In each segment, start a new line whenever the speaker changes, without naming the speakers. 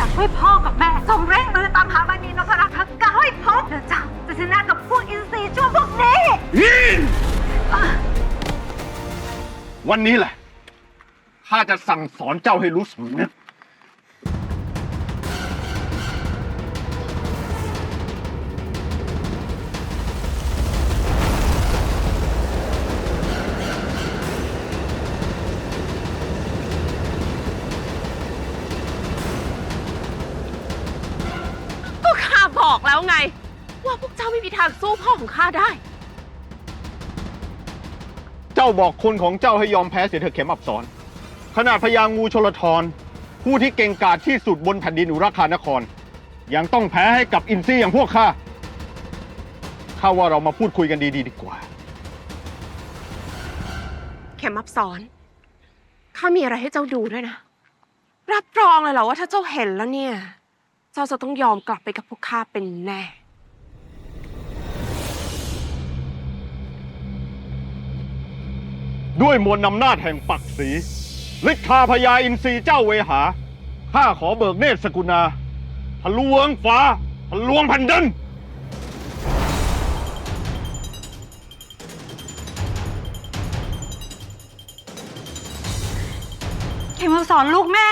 ช่วยพ่อกับแม่จงเร่งมือตามหามณีนพรัตน์ทั้งเก้าให้พบเจ้าจะชนะกับพวกอินทรีชั่วพวกนี้
วันนี้แหละข้าจะสั่งสอนเจ้าให้รู้สำนึก
ก็ข้าบอกแล้วไงว่าพวกเจ้าไม่มีทางสู้พ่อของข้าได้
เจ้าบอกคนของเจ้าให้ยอมแพ้เสียเถอะเข็มอับสรขนาดพญางูชลธรผู้ที่เก่งกาจที่สุดบนแผ่นดินอุราคานครยังต้องแพ้ให้กับอินทรีอย่างพวกข้าว่าเรามาพูดคุยกันดีกว่า
เข็มอับสรข้ามีอะไรให้เจ้าดูด้วยนะรับรองเลยเหรอว่าถ้าเจ้าเห็นแล้วเนี่ยเจ้าจะต้องยอมกลับไปกับพวกข้าเป็นแน่
ด้วยมวลอำนาจแห่งปักศรีฤทธาพญาอินทรีเจ้าเวหาข้าขอเบิกเนตรสกุณาทะลวงฟ้าทะลวงแผ่นดิน
เข็มอับสรลูกแม่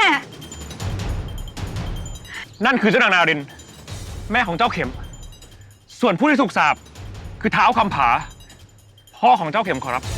นั่นคือเจ้านางนารินแม่ของเจ้าเข็มส่วนผู้ที่ถูกสาปคือท้าวคำผาพ่อของเจ้าเข็มขอรับ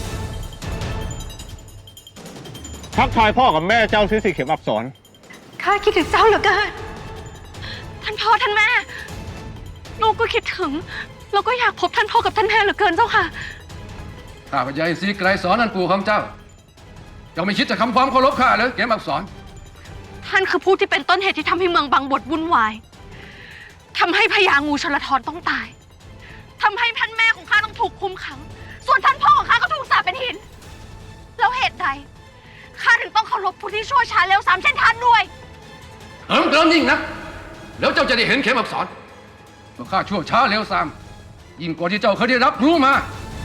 ทักทายพ่อกับแม่เจ้าซิสิเข็มอับสร
ข้าคิดถึงเจ้าเหลือเกินท่านพ่อท่านแม่ลูกก็คิดถึงเราก็อยากพบท่านพ่อกับท่านแม่เหลือเกินเจ้าค่ะ
ข้าพเจ้าอินทรีไกรสอนนั่นปู่ของเจ้าไม่คิดจะทำความเคารพข้าเลยเข็มอับสร
ท่านคือผู้ที่เป็นต้นเหตุที่ทำให้เมืองบางบดวุ่นวายทำให้พญางูชลธรต้องตายทำให้ท่านแม่ของข้าต้องถูกคุมขังส่วนท่านพ่อของข้าก็ถูกสาปเป็นหินแล้วเหตุใดข้าถึงต้องเคารพผู้ที่ชั่วช้าเร็วสามเช่นท่านด้วย
เติมยิ่งนะแล้วเจ้าจะได้เห็นเข็มอับสรว่าข้าชั่วช้าเร็วซ้ำยิ่งกว่าที่เจ้าเคยได้รับรู้มา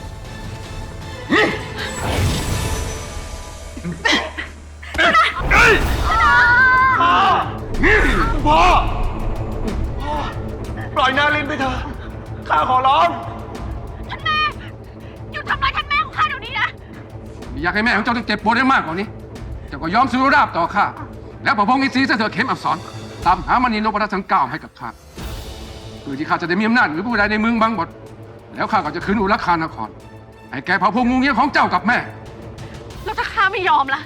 พ่อปล่อยนารินไปเถอะข้าขอร้อง
ท่านแม่หยุดทำร้ายท่านแม่ของข้าเดี๋ยวนี้นะ
ไม่อยากให้แม่ของเจ้าต้องเจ็บปวดได้มากกว่านี้เจ้าก็ยอมสู้ราบต่อข้าแล้วประพงศ์อินทรีย์เสถียรเข็มอับสรตามหามณีนพรัตน์ทั้ง9ให้กับข้าเพื่อที่ข้าจะได้มีอำนาจหรือผู้ใดในเมืองบางบดแล้วข้าก็จะคืนอุรัคานครให้แก่พระพงศ์งูเงี้ยของเจ้ากับแม่
แล้วถ้าข้าไม่ยอมล่ะ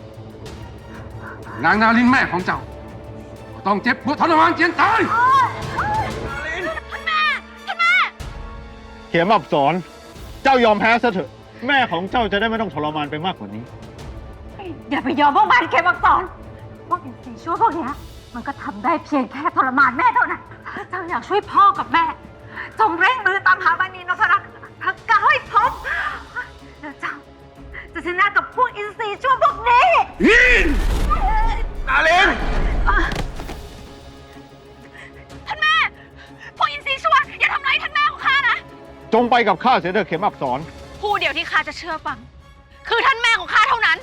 นางนารินแม่ของเจ้าก็ต้องเจ็บปวดทรมานเจียนตาย
ท่านแม่
เข็มอับสรเจ้ายอมแพ้ซะเถอะแม่ของเจ้าจะได้ไม่ต้องทรมานไปมากกว่านี้
อย่าไปยอมพวกมันเข็มอับสรพวกอินทรีชั่วพวกนี้มันก็ทำได้เพียงแค่ทรมานแม่เท่านั้นเจ้าอยากช่วยพ่อกับแม่จงเร่งมือตามหามณีนพรัตน์ทั้งเก้าให้พบแล้วเจ้าจะชนะกับพวกอินทรีชั่วพวกนี้
นาริน
ท่านแม่พวกอินทรีชั่วอย่าทำร้ายท่านแม่ของข้านะ
จงไปกับข้าเสียเถอะเข็มอับสร
ผู้เดียวที่ข้าจะเชื่อฟังคือท่านแม่ของข้าเท่านั้น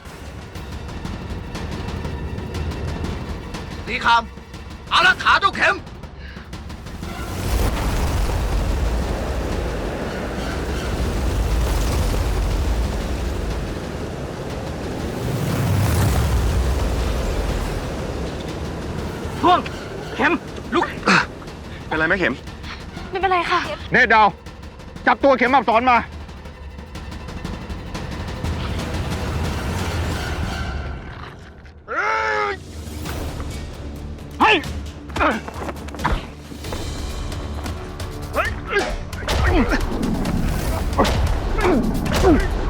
สีคำอารักขาเจ้าเข็มท่วงเข็มลุกเป็นไรไหมเข็ม
ไม่เป็นไรค่ะ
เนตรดาวจับตัวเข็มอับสรมาให้